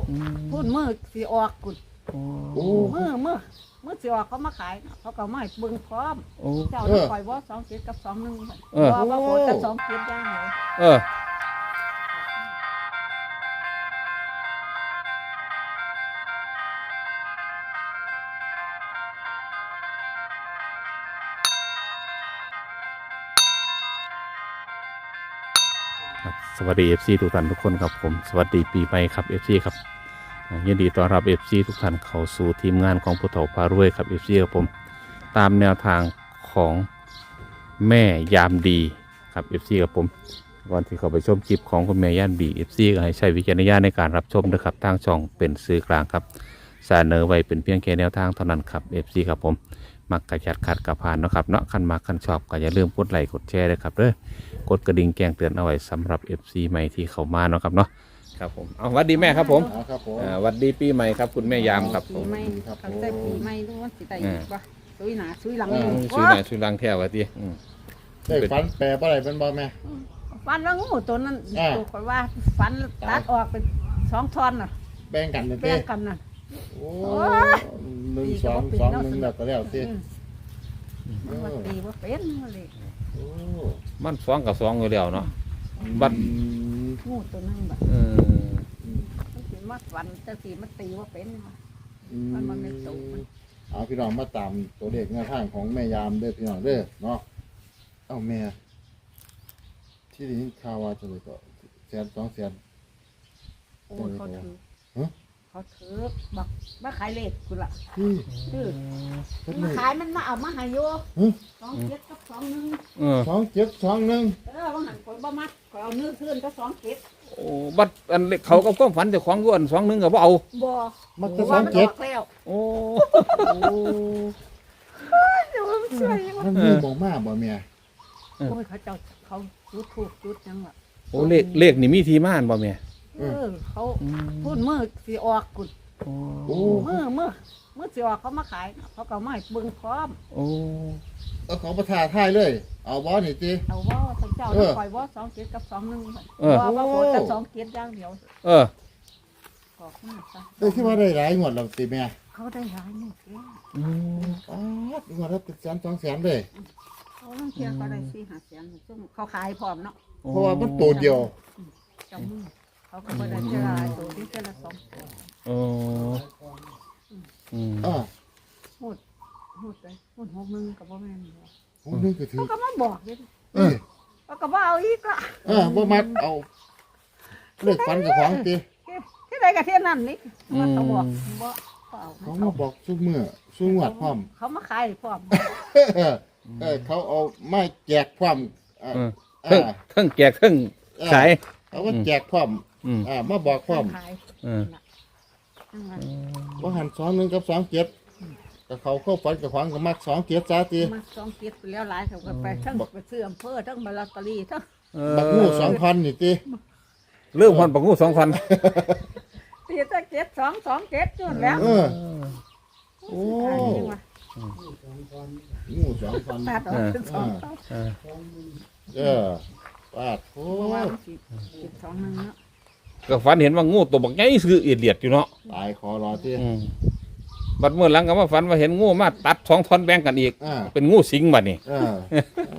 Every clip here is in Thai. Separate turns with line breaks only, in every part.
พุ่นมือสีออกกุด
โอ้
มือสีออกเขามาขายเขาก็ไม่เบิ่งพร้อม
โอ้
เจ้าต้องปล่อยว่า27กับ21ว่าโหดกับ27อย่างเลย
เออครับสวัสดี FC ทุกท่านทุกคนครับผมสวัสดีปีใหม่ครับ FC ครับยินดีต้อนรับ FC ทุกท่านเข้าสู่ทีมงานของผู้เฒ่าพารวยครับ FC ครับผมตามแนวทางของแม่ยามดีครับ FC ครับผมก่อนที่เข้าไปชมคลิปของคุณแม่ยามดี FC ก็ให้ใช้วิจารณญาณในการรับชมนะครับทางช่องเป็นสื่อกลางครับเสนอไว้เป็นเพียงแค่แนวทางเท่านั้นครับ FC ครับผมมักกระจัดขัดกระพานนะครับเนาะคันมาคันชอบก็อย่าลืมกดไลค์กดแชร์ด้วยครับเด้อกดกระดิ่งแจ้งเตือนเอาไว้สำหรับ FC ใหม่ที่เข้ามาเนาะครับเนาะครับผมเอาสวัสดีแม่ครับผม
ครับผม
สวัสดีปีใหม่ครับคุณแม่ยามครับผ
ปี
ม
ใหม่ตั้งแต่ปีใหม่รู้ว่าสิได้อีกบ่ซุยหนาซุยหลัง
ช่วยหน่อยช่วยล้างแท้วะที
ได้ฝันแปลอะไรเป็นบ่แม่
ฟันแล้วงูตัวนั้นตัวคอยว่าฟันตัดออกเป็น2ท่อนน่ะ
แบ่งกันเลย
แบ่งกันน่ะ
โอ้1 2 2 1แล้วก็แล้วสิ
มันตีว่าเป็นเลย
โอ้
มันสองกับสองอยู่แล้วเนาะบัด
งูตัวนั้นแบบ
เออ
มันสิมาฟันแต่สีมันตีว่าเป็นมันไม่ตูมัน
เอาพี่น้องมาตามตัวเลขแนวทางของแม่ยามเด้อพี่น้องเด้อเนาะเอ้าแม่ที่ได้ยินข่าวว่าจะเลยก็100,000 200,000
โอ้เขาถือเขาถือบอกมาขายเลขกูละ
ที่
ถือ
เพิ่น
มา
ได้
ขายมันมาเอามาหายโย27กับ21
เออ
บางหันคนบ่มัดขอเอาเนื้อเทือนก็27
โอ้บัดอันเขาก็ความฝันแต่ของกูอัน2-1ก็บ่เอา
บ่
มันจะ
ว่ามันออก
27
แล้ว
โอ้
เดี๋ยวมันสวย
มันมีบ่มาบ่แม่
โอ้ยเขาเจ้าเขาจุดถูกจุดยังล่ะ
โอ้เลขนี่มีที่มาอันบ่แม่
เขาพูดมือสีออกกุด
โอ้
มือสีออกเขามาขายเขาก็ไม่เบิ่งพร้อม
โอ้
เอาของประทาท้ายเลย เอาบ่นี่ติ
เอาว่าทั้งเจ้าปล่อยว่า27กับ21ว่าโหดกับ27อย่างเดียว
เออ
บอกมาซะ
ได้ที่ว่าได้หลายงวดแล้วติแม่
เขาได้หลายนี่แก
งวดละเป็น100,000 200,000เลย
เขาต้องเที่ยวเขาได้4-5แสนซึ่งเขาขายพร้อมเนาะ
เพราะว่ามันตัวเดียว
เจ้ามือเขาก็บ่ได้เจรายตัวที่เจร2ตัว
โอ้อืม
พูดเลยพูด61กับบ่แม่นบ่
ผมนึกก็ถือ
เขาก็มาบอกเลย
เอ้ย
เขาก็บ่เอาอีกละ
บ่มัดเอาเลิกฟันกับของติ
ที่ใดก็เที่ยนั่นนี่ว่าเขาบอกบ่เอา
เขามาบอกซุมื้อซุงวดพร้อม
เขามาขายพร้อม
เขาเอาไม้แจกพร้อม
เทั้งแจกเทั้งขาย
เขาก็แจกพร้อมมาบอกพร้อม
ขาย
เออ
ว่าหัน21กับ27ก็เขาเข้าฝันกับของก็มัก27ซะติ
มา2 7ไปแล้วหลายเขาก็ไปทั้งไปซื้ออำเภอทั้งลอตเตอรี่ทั้ง
บักงู2,000นี่ติ
เรื่องพันปักงู2,000
ตีตั้ง7-2-2-7จนแล้ว
โอ้ งู2,000
ตัดออกเป็น2เท่า
ปาดโอ้
เพราะว่ามันสิ2-1เนาะ
ก็ฝันเห็นว่างูตัวบักใหญ่คือเอียดเลียดอยู่เนาะ
ตายคอรอติ
บัดเมื่อหลังก็มาฝันว่าเห็นงูมาตัด2 ท่อนแบ่งกันอีก เป็นงูสิงบัดนี่
โอ้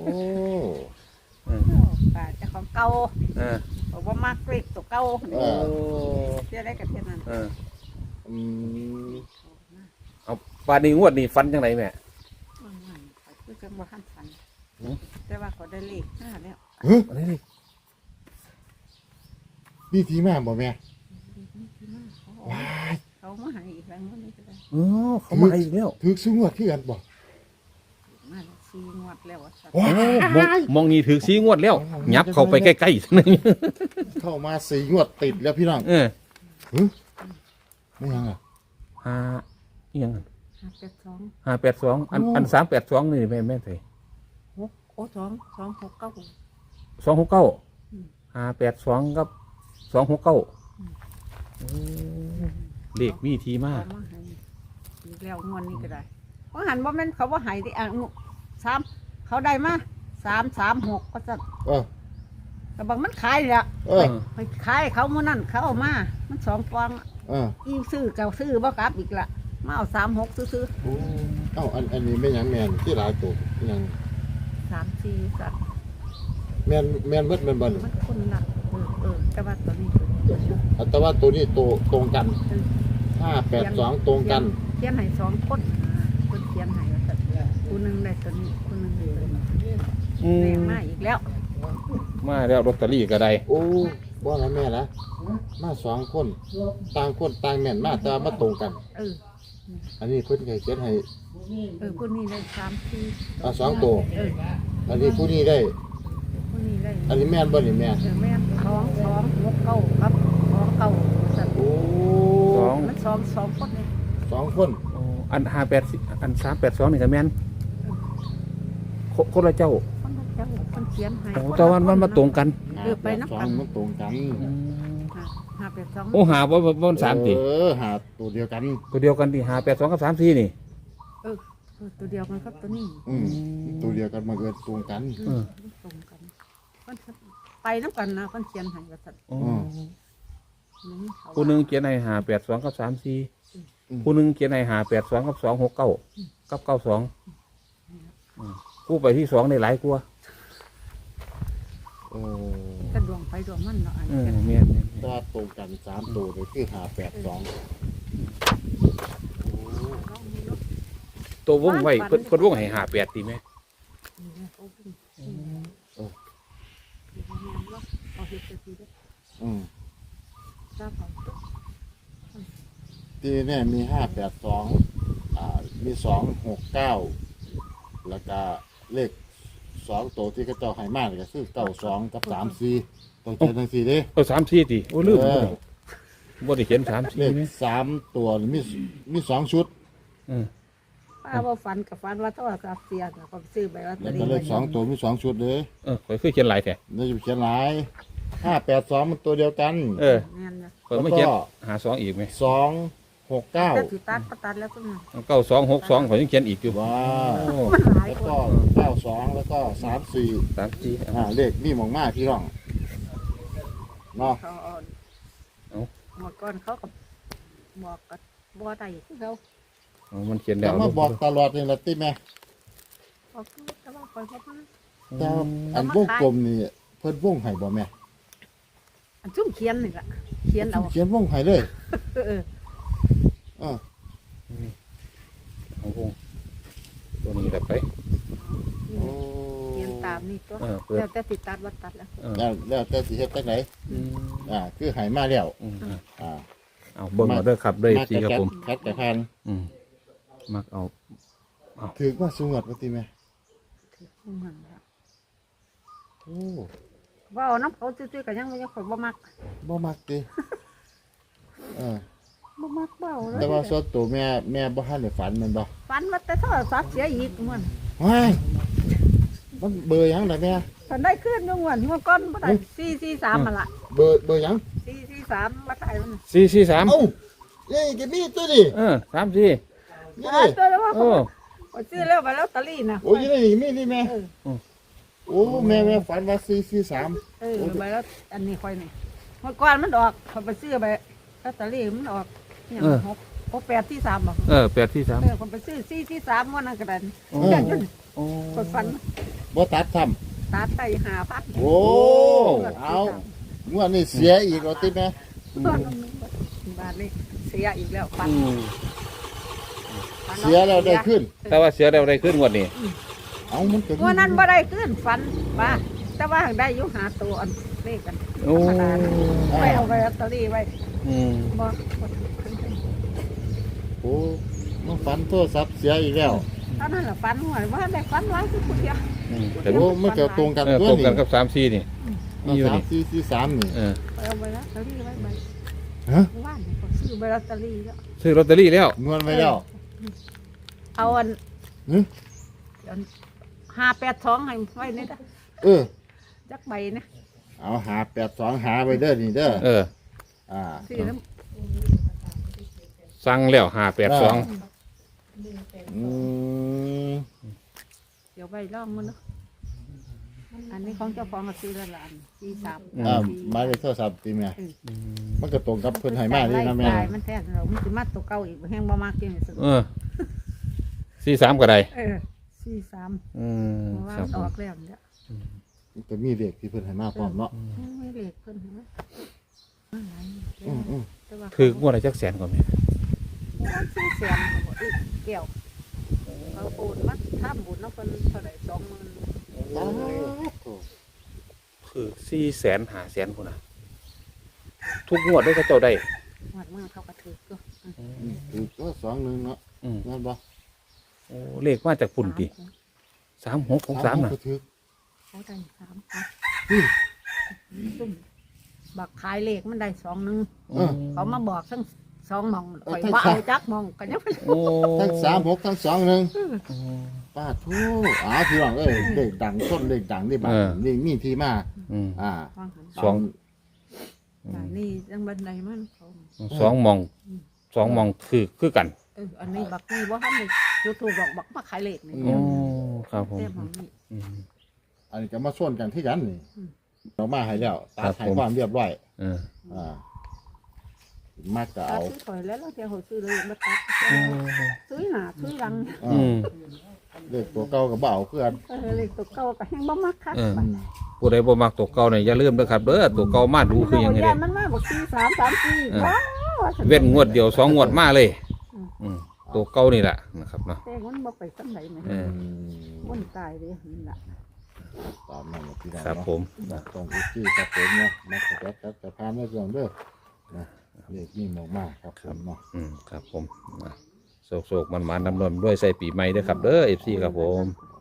ป่าเจ้าของเก่า
เออ
บอกว่ามากรีบตัวเก่า
โอ้
เที่ยได้กับเที่ยนั้น
เออ
อืม
เอาปานนี้งวดนี้ฝันจังไดแม่
คือจังว่าหันฝันแต่ว่าเขาได้เลข5แล้ว
อะไรนี่
นี่ทีมาบ่แม่
เขามาให้อีกแล้วนี่ก็ได้
เออเขามาอีกแล้ว
ถึกสูงวดที่กันบ่
มา4งวดแล้วว่าซั่น
โอ้มองนี่ถือสีงวดแล้วยับเข้าไปใกล้ๆซั่นนึง
เข้ามา4งวดติดแล้วพี่น้อง
เออ
ไม่ยังอ่ะ
ห้าอีหยัง
582
582อัน382นี่แม่ใส่
6โอ้269
269 582กับ269เลขมีทีมา
เขามาให้อีกแล้วงวดนี้ก็ได้เพราะหันว่าแม่นเขาว่าให้ที่3เขาได้มา336ก็ซั่น แต่บางมันขายแหละ
เออ
ไปขายเขามื้อนั้นเขาเอามามัน2ฟอง
เ
อีซื้อเก่าซื้อบ่กลับอีกละมาเอา36ซื้อ
โอ้เอ้าอันนี้แม่นหยังแม่นที่หลายตัวหยัง
34สัตว์
แม่นเบิดแม่นบ่
มันคนละแต่ว่าตัวนี้
แต่ว่าตัวนี้ตัวตรงกัน582ตรงกัน
เขียนให้2คนเพิ่นเขียนให้ว่าซั่นผู้หนึงได้ตัวนี้ผู้หนึงได้ตัวนี้แม่มาอีกแล้ว
มาแล้วลอตเตอรี่ก็ได้
โอ้บ่ละแม่ละมาสองคนต่างคนต่างแม่นมาแต่ว่ามาตรงกัน
เออ
อันนี้เพิ่นก็เขียนให้
ผู้นี้ได้34
สองตัว อันนี้ผู้นี้ได้
ผู้นี้ได้
อันนี้แม่นบ่นี่แม่
แม่2 ครับ2ซั่น
โอ้
มัน2คนเลย
สองคน
อัน58อัน382นี่ก็แม่นคนละเจ้า
คนละเจ้าคนเขียนให้
โอ้แต่ว่ามันมาตรงกัน
ไปนับกัน
มันตรงกัน
582
โอ้หาบ่3ติ
หาตัวเดียวกัน
ตัวเดียวกันที่582กับ34นี่
ตัวเดียวกันครับตัวนี้
ตัวเดียวกันมาเกิดตรงกัน
ตรงกันไปน้ำกันนะคนเขียนให้ว่าซั่น
ผู้หนึงเขียนให้582กับ34ผู้หนึงเขียนให้582กับ269กับ92ผู้ไปที่2ได้หลายกว่า
ก็ดวงไปดวงมันเนาะอัน
แม่น
ตัวตรงกันสามตัวเลยคือ582
ตัววงไว้เพิ่นวงให้58ติแม่
ที่แน่มี582มี269แล้วก็เลข2ตัวที่เขาเจ้าให้มาก็คือ92กับ34ต้องเขียนจังซี่เด้
34ติโอ้ลืมบ่ได้เขียน
เล
34
ข
แม่
3ตัวมี2ชุด
ป้าว่าฝันกับฝันว่าโทรศัพท์เสียก็ซื้อไปลอตเต
แล้
อ
ว
รี่
ก็เลข2ตัวมี2ชุดเลย
ข่อยเคยเขียนหลายแท้
นี่จะเขียนหลาย582มันตัวเดียวกัน
แม่นข่อยไม่เขียน52อีกไหม
269
แต่ถือตัดก็ตัดแล้วก็มา
9262ข่อยยังเขียนอีกอยู่
ว้า
โอ้
มันหลาย
แล้ว
ค
ก็
น
92แล้วก็34
34
เลขนี่มองมาพี่น้องเนาะ
เขาเมื่อก่อนเขาก็บอกกับบ่ได้คือเขา
มันเขียนแล้
แต่
ว
มาบอกตลอดนี่ละติแม่
บอกแต่ว่าคอยบ่มา
แต่ว่าอันวงกลมนี่เพิ่นวงให้บ่แม่
อันซุ่มเขียนนี่ล่ะเขียนเอา
เขียนวงให้เลย
เออ
เออ
โอ้โหตัวนี้แบบไป
โอ้
เขียนตามนี่ตัว
เปิด
แล้วแต่ติดตัดวัดตัดแล้ว
แล้วแต่สิเฮ็ดจังไดคือให้มาแล้วอ่า
เอาเบิ่งเอาเด้อครับเด้อ
มา
สิครับผม
คัดกระพัน
มักเอา
ถือว่าสูงกว่าติแม่โอ้
ว่าเอาน้ำเขาซื่อๆก็ยังบ่ยังข่อยบ่มัก
บ่มักติเออ
บ่มักเบ้าเล
แต่
ย
ว่าส่วนตัวแม่บ่ทันได้ฝันแม่นบ่
ฝันว่าแต่โทรศัพท์เสียอีกม่วน
ว้ายมันเบอร์หยังล่ะแม่
ฝันได้ขึ้นอยู่ม่วนเมื่อก่อนบ่ได้443มาละ
เบอร์หยัง
443มาได้มัน
443
เอ้านี่ก็มีตัวนี่
34
นี่
ตัวแล้วว่า
โอ้
เขาซื้อแล้วไปแล้วตะลี่นะ
โอ้ยนี่มีนี่แม่โอ้แม่ฝันว่า443
ไปแล้วอันนี้ค่อยนี่เมื่อก่อนมันออกเขาไปซื้อไปแล้วตะลี่มันออกอย่าง8ที่3บอก
843
คนไปซื้อ4ที่3วันนั้นก็ได้
โอ้
เดี๋ยวจน
โอ้
คนฝัน
บ่ตัดซ้ำ
ตัดไป5,000
โอ้เอางวดนี้เสียอีกแล้วติแม่
บาทนี้เสียอีกแล้วฝัน
เสียแล้วได้ขึ้น
แต่ว่าเสียแล้วได้ขึ้นงวดนี้
เอามันก็
วันนั้นบ่ได้ขึ้นฝันว่าแต่ว่าได้อยู่หาตัวอันเลขกัน
โอ้
ไปเอาไปลอตเตอรี่ไว้บ่
โอ้มันฝันโทรศัพท์เสียอีกแล้ว
ตอนนั้นล่ะฝันหวยว่าได้ฝันหลายคือผู้เดียว
แต่
โอ้มันก็ตรงกัน
ตรงกันกับ34นี่มีอยู่นี่
3 นี่
เอาไปลอตเตอรี่ไว้ใบ
ฮะ
ว่านก็ซื้อใบลอตเตอรี่แล้ว
ซื้อลอตเตอรี่แล้ว
นวลไว้แล้ว
เอาอัน
หึ
582ให้ไว้นี่เด้อ
เออ
จักใบนะ
เอา582หาไปเด้อนี่เด้ออ่า
ซื้อน้
สั่งแล้ว582
อืม
เดี๋ยวใบล่องมันเนาะอันนี้ของเจ้าของก็ซื้อละล้าน43
หมายเลขโทรศัพท์ตีแม่มันก็ตรงกับเพิ่นให้มาเลยนะแม่
มันแท้เรามันสิมาตัวเก่าอีกแฮงบ่มากจังซี่
43ก็ได้
43
อืม
เพราะว่า
ครับ
อ
ผม
อกแล้วเนี่ย
มันก็มีเลขที่เพิ่นให้มาพร้อมเนาะ
ไม่เลขเพิ่นนะ
ถืองวดละจักแสนก่อนแม่
ซื้อเสียงอีกเกี่ยวเขาโอนมาทำบุญเนาะเพิ่นเท่าไหร่20,000
คือ400,000 500,000พุ่นน่ะทุกงวดด้วยเขาเจ้าได้
หวัดมาเขาก็ถือก็
คือก็21เนาะ
อืม
นั่นบ่
โอ้เลขมาจากพุ่นติ3663น่ะ
ก็ถือ
เขาได้3ซุ่มบักขายเลขมันได้21เขามาบอกทั้ง2หม่องข่อยว่าเอาจักหม่องก็ยัง
โอ้
ทั้ง36ทั้ง21ป้าทูพี่น้องเอ้ยเลขดังต้นเลขดังนี่บัดนี่มีที่มา
อืม
สอง
นี่จังบันไดมันเขา
สองมองคือกัน
อันนี้บักนี่ว่าทำเลยยูทูบบอกบักมาขายเลขนี่
โอ้ครับผม
เต็มของนี่
อืม
อันนี้ก็มาส่วนกันที่กันนี่
อืม
เรามาให้แล้วตา
ครับ
ถ่าย
ผม
ความเรียบร้อย
เออ
มากก็
ตัด
เอา
ซื้อถอยแล้วเราเที่ยวหัวซื้อเลยมาตัดซื้อหนาซื้อรัง
อืม
เลขตัวเก่ากับเบาเพื่อน
เลขตัวเก่าก็แห้งบ่มักคัก
ผู้ใดบ่มักตัวเก่าเนี่ยอย่าลืมเด้อครับเด้อตัวเก่ามาดูคือหยังไงเด้
มันมาบอก4334ว้าว
เว้นงวดเดียว2งวดมาเลยอืมตัวเก่านี่แหละนะครับเนาะ
แต่มันบ่ไปสำไหนแม่
เออ
มันตายเด้นี่ล่ะ
ตามนั้นนะพี่น้อง
ครับ
เนาะ
ผม
ตรงอุจี้ครับผมเนาะมาขยับครับจะพาไม่เรื่องเด้อนะเลขนี่มากๆครับผมเนาะ
อืมครับผมโศกมันดำนวนด้วยใส่ปีใหม่เด้อครับเด้อ FC ครับผม
อ๋อ